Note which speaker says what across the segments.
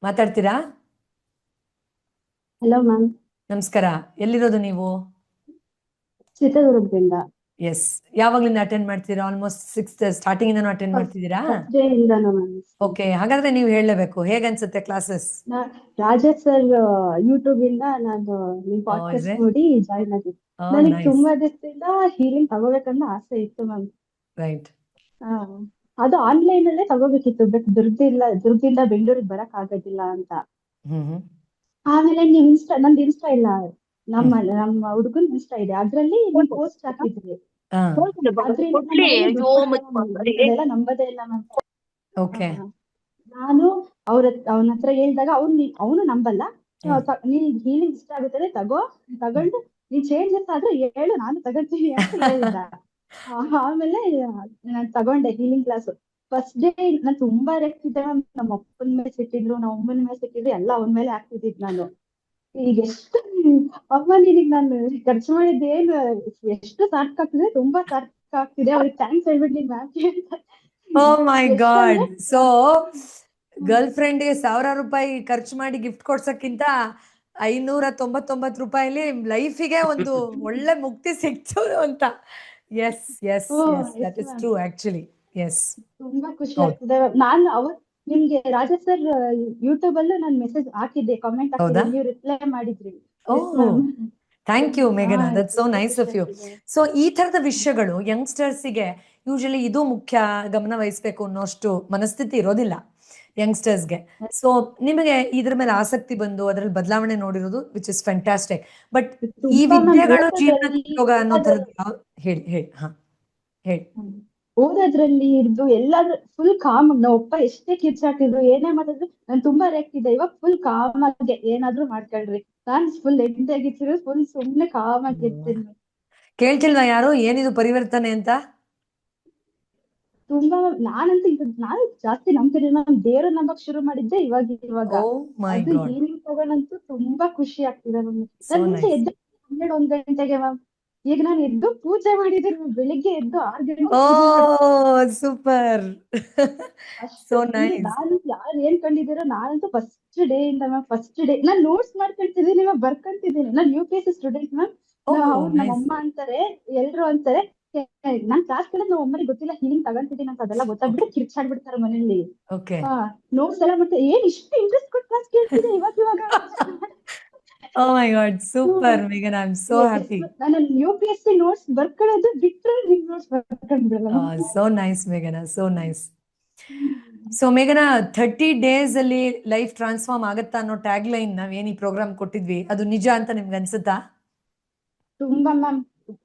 Speaker 1: ಮಾತಾಡ್ತೀರಾ?
Speaker 2: Hello ma'am.
Speaker 1: ನಮಸ್ಕಾರ. ಎಲ್ಲಿರೋದು ನೀವು?
Speaker 2: ಚಿತ್ರದುರ್ಗದಿಂದ.
Speaker 1: ಎಸ್. ಯಾವಾಗ್ಲಿಂದ ಅಟೆಂಡ್ ಮಾಡ್ತೀರಾ? ಆಲ್ಮೋಸ್ಟ್ ಸ್ಟಾರ್ಟಿಂಗ್ ಇಂದನೂ ಅಟೆಂಡ್
Speaker 2: ಫಸ್ಟ್
Speaker 1: ಮಾಡ್ತಿದ್ದೀರಾ?
Speaker 2: ಫಸ್ಟ್ ಡೇ ಇಂದಾನು ಮ್ಯಾಮ್.
Speaker 1: ಓಕೆ, ಹಾಗಾದ್ರೆ ನೀವು ಹೇಳಲೇಬೇಕು, ಹೇಗನ್ಸುತ್ತೆ ಕ್ಲಾಸಸ್?
Speaker 2: ರಾಜೇಶ್ ಸರ್ ಯೂಟ್ಯೂಬ್ ಇಂದ ನಾನು ನಿಮ್
Speaker 1: ಇಸ್
Speaker 2: ಪಾಡ್ಕಾಸ್ಟ್
Speaker 1: ಇಟ್?
Speaker 2: ನೋಡಿ ಜಾಯ್ನ್ ಆಗಿದ್ದೆ. ನನಗೆ
Speaker 1: ನೈಸ್.
Speaker 2: ತುಂಬಾ ದಿವಸದಿಂದ ಹೀಲಿಂಗ್ ತಗೋಬೇಕನ್ನೋ ಆಸೆ ಇತ್ತು ಮ್ಯಾಮ್.
Speaker 1: ರೈಟ್.
Speaker 2: ಅದು ಆನ್ಲೈನ್ ಅಲ್ಲೇ ತಗೋಬೇಕಿತ್ತು, ಬಟ್ ದುರ್ಗದಿಂದ ಬೆಂಗಳೂರಿಗೆ ಬರಕ್ ಆಗೋದಿಲ್ಲ ಅಂತ.
Speaker 1: ಹ್ಮ್ ಹ್ಮ್
Speaker 2: ಆಮೇಲೆ ನೀವ್ ನಂದು ಇನ್ಸ್ಟಾ ಇಲ್ಲ,
Speaker 1: ಹ್ಮ್.
Speaker 2: ನಮ್ಮ ಹುಡುಗನ್ ಇನ್ಸ್ಟಾ ಇದೆ, ಅದ್ರಲ್ಲಿ ನೀವ್ ಪೋಸ್ಟ್ ಹಾಕಿದ್ರಿ.
Speaker 1: ಹಾ.
Speaker 2: ಅದ್ರಿಂದ ನಮ್ಮನೇಲಿ ದುಡ್ಡು ಬರಲ್ಲ ಮ್ಯಾಮ್, ಇಂಥದ್ದೆಲ್ಲ ನಂಬದೇ ಇಲ್ಲ ಮ್ಯಾಮ್.
Speaker 1: ಓಕೆ.
Speaker 2: ನಾನು ಅವನ ಹತ್ರ ಹೇಳಿದಾಗ ಅವನು ನಂಬಲ್ಲ. ನೀನ್ ಹೀಲಿಂಗ್ ಇಷ್ಟ ಆಗುತ್ತದೆ ತಗೊಂಡು ನೀನ್ ಚೇಂಜಸ್ ಆದ್ರೆ ಹೇಳು, ನಾನು ತಗೋತೀನಿ ಅಂತ ಹೇಳಿದ. ಆಮೇಲೆ ನಾನ್ ತಗೊಂಡೆ ಹೀಲಿಂಗ್ ಕ್ಲಾಸ್. ಫಸ್ಟ್ ಡೇ ನಾನ್ ತುಂಬಾ ರೆಕ್ತಿದ್ದೆ ಮ್ಯಾಮ್. ನಮ್ಮ ಅಪ್ಪನ ಮೇಲೆ ಸಿಟ್ಟಿದ್ರು, ನಮ್ಮ ಅಮ್ಮನ ಮೇಲೆ ಸಿಟ್ಟಿದ್ರು, ಎಲ್ಲ ಅವನ ಮೇಲೆ ಹಾಕ್ತಿದ್ದಿದ್ ನಾನು. ಈಗ ಎಷ್ಟು ಅಮ್ಮ ನಿನಗ್ ನಾನು ಖರ್ಚು ಮಾಡಿದ್ದೇನು ಎಷ್ಟು ಸಾರ್ಥಕ ಆಗ್ತಿದೆ, ತುಂಬಾ ಸಾರ್ಥಕ ಆಗ್ತಿದೆ, ಅವ್ರಿಗೆ ಥ್ಯಾಂಕ್ಸ್ ಹೇಳ್ಬಿಡ್ಲಿ ಮ್ಯಾಮ್ ಅಂತ.
Speaker 1: Oh my god.
Speaker 2: ಎಷ್ಟಂದ್ರೆ
Speaker 1: ಸೊ ಗರ್ಲ್ ಫ್ರೆಂಡ್ಗೆ 1,000 ರೂಪಾಯಿ ಖರ್ಚು ಮಾಡಿ ಗಿಫ್ಟ್ ಕೊಡ್ಸಕ್ಕಿಂತ 599 ರೂಪಾಯಿಲಿ ಲೈಫಿಗೆ ಒಂದು ಒಳ್ಳೆ ಮುಕ್ತಿ ಸಿಕ್ತು ಅಂತ. Yes yes yes, that is true actually. Yes.
Speaker 2: ತುಂಬಾ ಖುಷಿ
Speaker 1: ಹೌದು.
Speaker 2: ಆಗ್ತದೆ. ನಾನು ನಿಮ್ಗೆ ರಾಜಾ ಸರ್ ಯೂಟ್ಯೂಬ್ ಅಲ್ಲೂ ನಾನು ಮೆಸೇಜ್ ಹಾಕಿದ್ದೆ, ಕಾಮೆಂಟ್ ಹಾಕಿದ್ದೆ,
Speaker 1: ಹೌದಾ?
Speaker 2: ನೀವು ರಿಪ್ಲೈ ಮಾಡಿದ್ರಿ. Yes
Speaker 1: oh,
Speaker 2: ma'am.
Speaker 1: Thank you ಮೇಘನಾ, ದಟ್ ಸೋ
Speaker 2: ತುಂಬಾ
Speaker 1: ನೈಸ್
Speaker 2: ಖುಷಿ
Speaker 1: ಆಫ್ ಯು.
Speaker 2: ಆಗ್ತಿದೆ.
Speaker 1: ಸೊ ಈ ತರದ ವಿಷಯಗಳು ಯಂಗ್ಸ್ಟರ್ಸಿಗೆ ಯೂಶಲಿ ಇದು ಮುಖ್ಯ, ಗಮನ ವಹಿಸ್ಬೇಕು ಅನ್ನೋಷ್ಟು ಮನಸ್ಥಿತಿ ಇರೋದಿಲ್ಲ ಯಂಗ್ಸ್ಟರ್ಸ್ಗೆ. ಸೊ ನಿಮಗೆ ಇದ್ರ ಮೇಲೆ ಆಸಕ್ತಿ ಬಂದು ಅದರಲ್ಲಿ ಬದಲಾವಣೆ ನೋಡಿರೋದು ವಿಚ್ ಇಸ್ ಫ್ಯಾಂಟಾಸ್ಟಿಕ್. ಬಟ್ ಈ
Speaker 2: ತುಂಬಾ ಮ್ಯಾಮ್.
Speaker 1: ವಿದ್ಯೆಗಳು ಜೀವನಕ್ಕೆ ಉಪಯೋಗ ಅನ್ನೋ ಥರದ್ದು ಹೇಳಿ ಹೇಳಿ. ಹಾ, ಹೇಳಿ.
Speaker 2: ಓದೋದ್ರಲ್ಲಿ ಇರ್ದು ಎಲ್ಲಾದ್ರೂ ಫುಲ್ ಕಾಮ್. ನಮ್ಮ ಅಪ್ಪ ಎಷ್ಟೇ ಕಿರ್ಚಾಡ್ತಿದ್ರು, ಏನೇ ಮಾತಾಡಿದ್ರು ನಾನು ತುಂಬಾ ರೇಗ್ತಿದ್ದೆ. ಇವಾಗ ಫುಲ್ ಕಾಮ್ ಆಗಿ ಏನಾದ್ರೂ ಮಾಡ್ಕೊಳ್ರಿ, ನಾನ್ ಫುಲ್ ಎಂಟಾಗಿರ್ತೀನಿ, ಫುಲ್ ಸುಮ್ನೆ ಕಾಮ್ ಆಗಿರ್ತೀನಿ.
Speaker 1: ಕೇಳ್ತಿಲ್ವಾ ಯಾರು ಏನಿದು ಪರಿವರ್ತನೆ ಅಂತ?
Speaker 2: ತುಂಬಾ ನಾನು ಜಾಸ್ತಿ ನಂಬ್ತಿರ್ಲಿಲ್ಲ. ನಾನು ದೇವ್ರ ನಂಬಕ್ ಶುರು ಮಾಡಿದ್ದೆ ಇವಾಗ.
Speaker 1: ಓ ಮೈ
Speaker 2: ಅದು
Speaker 1: ಗಾಡ್,
Speaker 2: ಹೀಲಿಂಗ್ ತಗೊಂಡಂತೂ ತುಂಬಾ ಖುಷಿ ಆಗ್ತಿದೆ ನಮ್ಗೆ.
Speaker 1: ಸೋ
Speaker 2: ನಾನ್ ಮುಂಚೆ
Speaker 1: ನೈಸ್.
Speaker 2: ಎದ್ದು 12-1 ಗಂಟೆಗೆ ಮ್ಯಾಮ್. ಈಗ ನಾನು ಎದ್ದು ಪೂಜೆ ಮಾಡಿದ್ದೀನಿ ಮ್ಯಾಮ್. ಬೆಳಿಗ್ಗೆ ಎದ್ದು 6 ಗಂಟೆಗೆ
Speaker 1: ಓ
Speaker 2: ಪೂಜೆ ಮಾಡಿ
Speaker 1: ಸೂಪರ್.
Speaker 2: ಅಷ್ಟು
Speaker 1: ಸೋ
Speaker 2: ಫುಲ್.
Speaker 1: ನೈಸ್.
Speaker 2: ನಾನು ಯಾರು ಏನ್ ಕಂಡಿದ್ದೀರೋ, ನಾನಂತೂ ಫಸ್ಟ್ ಡೇ ಇಂದ ಮ್ಯಾಮ್, ಫಸ್ಟ್ ಡೇ ನಾನ್ ನೋಟ್ಸ್ ಮಾಡ್ಕೊಳ್ತಿದ್ದೀನಿ ಮ್ಯಾಮ್, ಬರ್ಕೊಂತಿದ್ದೀನಿ. ನಾನ್ UPSC ಸ್ಟೂಡೆಂಟ್ ಮ್ಯಾಮ್.
Speaker 1: ಓಹ್
Speaker 2: ನಮ್ಮ
Speaker 1: ನೈಸ್.
Speaker 2: ಅಮ್ಮ ಅಂತಾರೆ, ಎಲ್ರು ಅಂತಾರೆ, ನಾನ್ ಕ್ಲಾಸ್ ಕೇಳಿದ್ ನಮ್ಮ ಅಮ್ಮನಿಗೆ ಗೊತ್ತಿಲ್ಲ ಹೀಲಿಂಗ್ ತಗೊಂತಿದ್ದೀನಿ ಅಂತ. ಅದೆಲ್ಲ
Speaker 1: ಓಕೆ
Speaker 2: ಗೊತ್ತಾಗ್ಬಿಟ್ಟು ಕಿರ್ಚಾಡ್ಬಿಡ್ತಾರೆ ಮನೇಲಿ.
Speaker 1: ಓಕೆ.
Speaker 2: ನೋಟ್ಸ್ ಎಲ್ಲ ಮತ್ತೆ ಏನ್ ಇಷ್ಟು ಇಂಟ್ರೆಸ್ಟ್ ಕೊಟ್ಟು ಕ್ಲಾಸ್ ಕೇಳ್ತಿದೆ ಇವಾಗ.
Speaker 1: ಓ ಮೈ ಗಾಡ್, ಸೂಪರ್ ಮೇಘನಾ, ಐ ಆಮ್ ಸೋ ಹ್ಯಾಪಿ.
Speaker 2: ನಾನು UPSC ನೋಟ್ಸ್ ಬರ್ಕೊಳ್ಳೋದು ಬಿಟ್ರೆ ನಿಮ್ ನೋಟ್ಸ್ ಬರ್ಕೊಂಡ್ಬಿಡಲ್ಲ.
Speaker 1: ಸೋ ನೈಸ್ ಮೇಘನಾ, ಸೋ ನೈಸ್. ಸೊ ಮೇಘನಾ, 30 ಡೇಸ್ ಅಲ್ಲಿ ಲೈಫ್ ಟ್ರಾನ್ಸ್ಫಾರ್ಮ್ ಆಗತ್ತಾ ಅನ್ನೋ ಟ್ಯಾಗ್ ಲೈನ್ ನಾವೇನ್ ಈ ಪ್ರೋಗ್ರಾಮ್ ಕೊಟ್ಟಿದ್ವಿ, ಅದು ನಿಜ ಅಂತ ನಿಮ್ಗೆ ಅನ್ಸುತ್ತಾ?
Speaker 2: ತುಂಬಾ ಮ್ಯಾಮ್.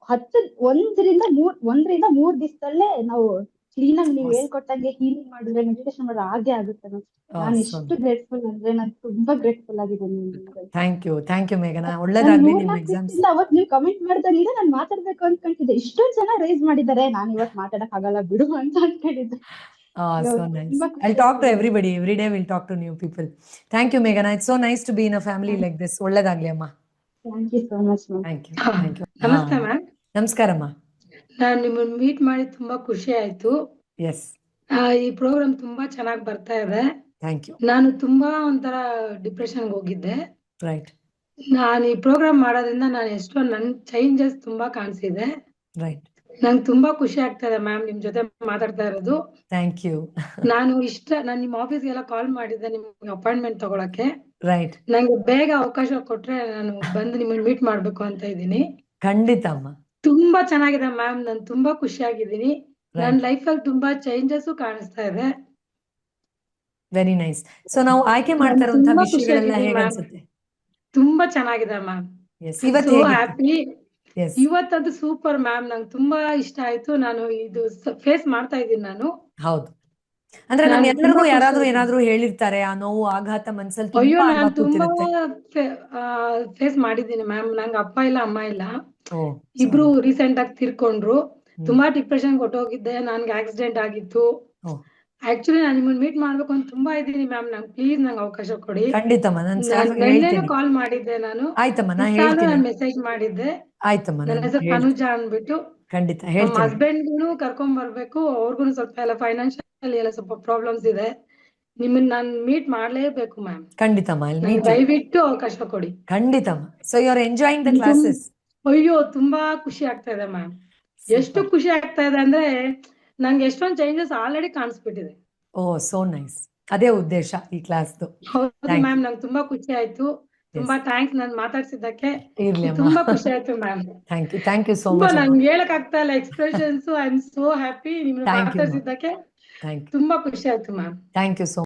Speaker 2: 1ರಿಂದ 3 ದಿವಸದಲ್ಲೇ ನಾವು ಕ್ಲೀನ್ ಆಗಿ ನೀವು ಹೇಳ್ಕೊಟ್ಟಂಗೆ ಹೀಲಿಂಗ್ ಮಾಡಿದ್ರೆ, ಮೆಡಿಟೇಷನ್ ಮಾಡಿದ್ರೆ ಹಾಗೆ ಆಗುತ್ತೆ ಮ್ಯಾಮ್. ನಾನು ಎಷ್ಟು ಗ್ರೇಟ್ಫುಲ್ ಅಂದ್ರೆ, ನಾನು ತುಂಬಾ ಗ್ರೇಟ್ಫುಲ್ ಆಗಿದ್ದೀನಿ ನಿಮ್ಗೆ.
Speaker 1: ಥ್ಯಾಂಕ್ ಯು ಮೇಘನಾ,
Speaker 2: ನಾನು
Speaker 1: ಒಳ್ಳೇದಾಗ್ಲಿ ನಿಮ್
Speaker 2: 3-4
Speaker 1: ಎಕ್ಸಾಮ್ಸ್.
Speaker 2: ದಿವಸದಿಂದ ಅವತ್ ನೀವು ಕಮೆಂಟ್ ಮಾಡಿದಾಗಿಂದ ನಾನು ಮಾತಾಡ್ಬೇಕು ಅನ್ಕೊಂತಿದ್ದೆ. ಇಷ್ಟೊಂದ್ ಜನ ರೈಸ್ ಮಾಡಿದ್ದಾರೆ, ನಾನು ಇವತ್ ಮಾತಾಡಕ್ ಆಗಲ್ಲ ಬಿಡು ಅಂತ ಅನ್ಕೊಂಡಿದ್ದೆ.
Speaker 1: So nice.
Speaker 2: ತುಂಬಾ
Speaker 1: I'll
Speaker 2: ಖುಷಿ
Speaker 1: talk to
Speaker 2: ಆಗ್ತಿದೆ.
Speaker 1: everybody. Every day we'll talk to new people. Thank you, Meghana. It's so nice to be in a family like this. ಒಳ್ಳೆದಾಗ್ಲಿ ಅಮ್ಮ.
Speaker 2: Thank you so much ma'am.
Speaker 1: Thank you.
Speaker 3: ನಮಸ್ತೆ ma'am.
Speaker 1: ನಮಸ್ಕಾರಮ್ಮ.
Speaker 3: ನಾನು ನಿಮ್ಮನ್ನ meet ಮಾಡಿ ತುಂಬಾ ಖುಷಿ ಆಯ್ತು.
Speaker 1: ಎಸ್.
Speaker 3: ಈ ಪ್ರೋಗ್ರಾಮ್ ತುಂಬಾ ಚೆನ್ನಾಗಿ ಬರ್ತಾ ಇದೆ.
Speaker 1: Thank you.
Speaker 3: ನಾನು ತುಂಬಾ ಒಂಥರ ಡಿಪ್ರೆಷನ್ಗೆ ಹೋಗಿದ್ದೆ.
Speaker 1: ರೈಟ್.
Speaker 3: ನಾನು ಈ ಪ್ರೋಗ್ರಾಮ್ ಮಾಡೋದ್ರಿಂದ ನನ್ ಚೇಂಜಸ್ ತುಂಬಾ ಕಾಣಿಸಿದೆ.
Speaker 1: ರೈಟ್.
Speaker 3: ನಂಗೆ ತುಂಬಾ ಖುಷಿ ಆಗ್ತಾ ಇದೆ ಮ್ಯಾಮ್ ನಿಮ್ ಜೊತೆ ಮಾತಾಡ್ತಾ ಇರೋದು.
Speaker 1: Thank you.
Speaker 3: ನಾನು ನಿಮ್ಮ ಆಫೀಸ್ಗೆಲ್ಲ ಕಾಲ್ ಮಾಡಿದ್ದೆ ನಿಮ್ಗೆ ಅಪಾಯಿಂಟ್ಮೆಂಟ್ ತಗೊಳಕ್ಕೆ.
Speaker 1: ರೈಟ್.
Speaker 3: ನಂಗೆ ಬೇಗ ಅವಕಾಶ ಕೊಟ್ರೆ ನಾನು ಬಂದು ನಿಮ್ಮನ್ನ ಮೀಟ್ ಮಾಡ್ಬೇಕು ಅಂತ ಇದ್ದೀನಿ.
Speaker 1: ಖಂಡಿತ ಅಮ್ಮ.
Speaker 3: ತುಂಬಾ ಚೆನ್ನಾಗಿದೆ ಮ್ಯಾಮ್. ನಾನು ತುಂಬಾ ಖುಷಿಯಾಗಿದ್ದೀನಿ. ನನ್ನ
Speaker 1: ರೈಟ್.
Speaker 3: ಲೈಫಲ್ಲಿ ತುಂಬಾ ಚೇಂಜಸ್ ಕಾಣಿಸ್ತಾ ಇದೆ.
Speaker 1: Very nice. ಸೊ ನಾವು ಆಯ್ಕೆ
Speaker 3: ನಾನು
Speaker 1: ಮಾಡ್ತಾ ಇರುವಂತಹ
Speaker 3: ತುಂಬಾ
Speaker 1: ವಿಷಯಗಳೆಲ್ಲ
Speaker 3: ಖುಷಿಯಾಗಿದ್ದೀನಿ ಮ್ಯಾಮ್.
Speaker 1: ಹೇಗನ್ಸುತ್ತೆ?
Speaker 3: ತುಂಬಾ ಚೆನ್ನಾಗಿದೆ ಮ್ಯಾಮ್.
Speaker 1: ಎಸ್.
Speaker 3: ಐ ಆಮ್
Speaker 1: ಇವತ್ತು
Speaker 3: ಸೋ
Speaker 1: ಹೇಗಿತ್ತು?
Speaker 3: ಹ್ಯಾಪಿ.
Speaker 1: ಎಸ್.
Speaker 3: ಇವತ್ತದು ಸೂಪರ್ ಮ್ಯಾಮ್. ನಂಗೆ ತುಂಬಾ ಇಷ್ಟ ಆಯ್ತು. ನಾನು ಇದು ಫೇಸ್ ಮಾಡ್ತಾ ಇದ್ದೀನಿ ನಾನು.
Speaker 1: ಹೌದು. ಅಂದ್ರೆ ನಮ್
Speaker 3: ನಂಗೆ ತುಂಬಾ
Speaker 1: ಎಲ್ಲರಿಗೂ
Speaker 3: ಖುಷಿ
Speaker 1: ಯಾರಾದ್ರೂ
Speaker 3: ಆಯ್ತು.
Speaker 1: ಏನಾದ್ರೂ ಹೇಳಿರ್ತಾರೆ, ಆ ನೋವು ಆಘಾತ ಮನ್ಸಲ್ಲಿ
Speaker 3: ಅಯ್ಯೋ,
Speaker 1: ತುಂಬಾ
Speaker 3: ನಾನು
Speaker 1: ಆಳ್ವಾ
Speaker 3: ತುಂಬಾ
Speaker 1: ಕೂತಿರುತ್ತೆ.
Speaker 3: ಫೇಸ್ ಮಾಡಿದ್ದೀನಿ ಮ್ಯಾಮ್. ನಂಗೆ ಅಪ್ಪ ಇಲ್ಲ, ಅಮ್ಮ ಇಲ್ಲ.
Speaker 1: ಓ
Speaker 3: ಇಬ್ರು
Speaker 1: ಸಾರಿ.
Speaker 3: ರೀಸೆಂಟ್ ಆಗಿ ತೀರ್ಕೊಂಡ್ರು. ತುಂಬಾ ಡಿಪ್ರೆಷನ್ ಕೊಟ್ಟೋಗಿದ್ದೆ. ನನ್ಗೆ ಆಕ್ಸಿಡೆಂಟ್ ಆಗಿತ್ತು.
Speaker 1: ಓ
Speaker 3: ಆಕ್ಚುಲಿ ನಾನು ನಿಮ್ಮನ್ನ ಮೀಟ್ ಮಾಡ್ಬೇಕು ಅಂತ ತುಂಬಾ ಇದ್ದೀನಿ ಮ್ಯಾಮ್. ಪ್ಲೀಸ್ ನಂಗೆ ಅವಕಾಶ ಕೊಡಿ.
Speaker 1: ಖಂಡಿತಮ್ಮ, ನಾನು ಸ್ಟಾಫ್
Speaker 3: ನೆನ್ನೆನೂ
Speaker 1: ಹೇಳ್ತೀನಿ.
Speaker 3: ಕಾಲ್ ಮಾಡಿದ್ದೆ ನಾನು.
Speaker 1: ಆಯ್ತಮ್ಮ, ನಾ
Speaker 3: ಇನ್ಸ್ಟಾನು
Speaker 1: ಹೇಳ್ತೀನಿ.
Speaker 3: ನಾನು ಮೆಸೇಜ್ ಮಾಡಿದ್ದೆ.
Speaker 1: ಆಯ್ತಮ್ಮ,
Speaker 3: ನನ್ನ
Speaker 1: ನಾನು
Speaker 3: ಹೆಸರು
Speaker 1: ಹೇಳ್ತೀನಿ.
Speaker 3: ತನುಜಾ ಅಂದ್ಬಿಟ್ಟು.
Speaker 1: ಖಂಡಿತ
Speaker 3: ನಮ್ಮ
Speaker 1: ಹೇಳ್ತೀನಿ.
Speaker 3: ಹಸ್ಬೆಂಡ್ಗೂ ಕರ್ಕೊಂಡ್ ಬರ್ಬೇಕು. ಅವ್ರಿಗೂ ಸ್ವಲ್ಪ ಎಲ್ಲ ಫೈನಾನ್ಷಿಯಲ್ ಎಲ್ಲ ಸ್ವಲ್ಪ ಪ್ರಾಬ್ಲಮ್ಸ್ ಇದೆ. ನಿಮ್ಮನ್ನ ನಾನು ಮೀಟ್ ಮಾಡ್ಲೇಬೇಕು ಮ್ಯಾಮ್.
Speaker 1: ಖಂಡಿತಮ್ಮ, I'll
Speaker 3: ನಂಗೆ
Speaker 1: meet you.
Speaker 3: ದಯವಿಟ್ಟು ಅವಕಾಶ ಕೊಡಿ.
Speaker 1: ಖಂಡಿತಮ್ಮ. So you are enjoying the
Speaker 3: ತುಂಬ-
Speaker 1: ಕ್ಲಾಸಸ್?
Speaker 3: ಅಯ್ಯೋ ತುಂಬಾ ಖುಷಿ ಆಗ್ತಾ ಇದೆ ಮ್ಯಾಮ್. ಎಷ್ಟು ಖುಷಿ ಆಗ್ತಾ ಇದೆ ಅಂದ್ರೆ ನಂಗೆ ಎಷ್ಟೊಂದು ಚೇಂಜಸ್ ಆಲ್ರೆಡಿ ಕಾಣಿಸ್ಬಿಟ್ಟಿದೆ.
Speaker 1: Oh so nice. ಅದೇ ಉದ್ದೇಶ ಈ ಕ್ಲಾಸ್ದು.
Speaker 3: ಹೌದು
Speaker 1: Thank
Speaker 3: ಮ್ಯಾಮ್, ನಂಗೆ ತುಂಬಾ ಖುಷಿ ಆಯ್ತು. ತುಂಬಾ ಥ್ಯಾಂಕ್ಸ್ ನನ್ ಮಾತಾಡ್ಸಿದ್ದಕ್ಕೆ.
Speaker 1: ಇರ್ಲಿ ಅಮ್ಮ.
Speaker 3: ತುಂಬಾ ಖುಷಿ ಆಯ್ತು ಮ್ಯಾಮ್.
Speaker 1: ಥ್ಯಾಂಕ್ ಯು ಸೋ
Speaker 3: ತುಂಬಾ
Speaker 1: ಮಚ್.
Speaker 3: ನಂಗೆ ಹೇಳಕ್ ಆಗ್ತಾ ಇಲ್ಲ expressions. I am so happy ನಿಮ್ನ
Speaker 1: Thank you, ma'am.
Speaker 3: ಮಾತಾಡ್ಸಿದ್ದಕ್ಕೆ.
Speaker 1: ಥ್ಯಾಂಕ್ ಯು
Speaker 3: ತುಂಬಾ ಖುಷಿ ಆಯ್ತು ಮ್ಯಾಮ್.
Speaker 1: Thank you so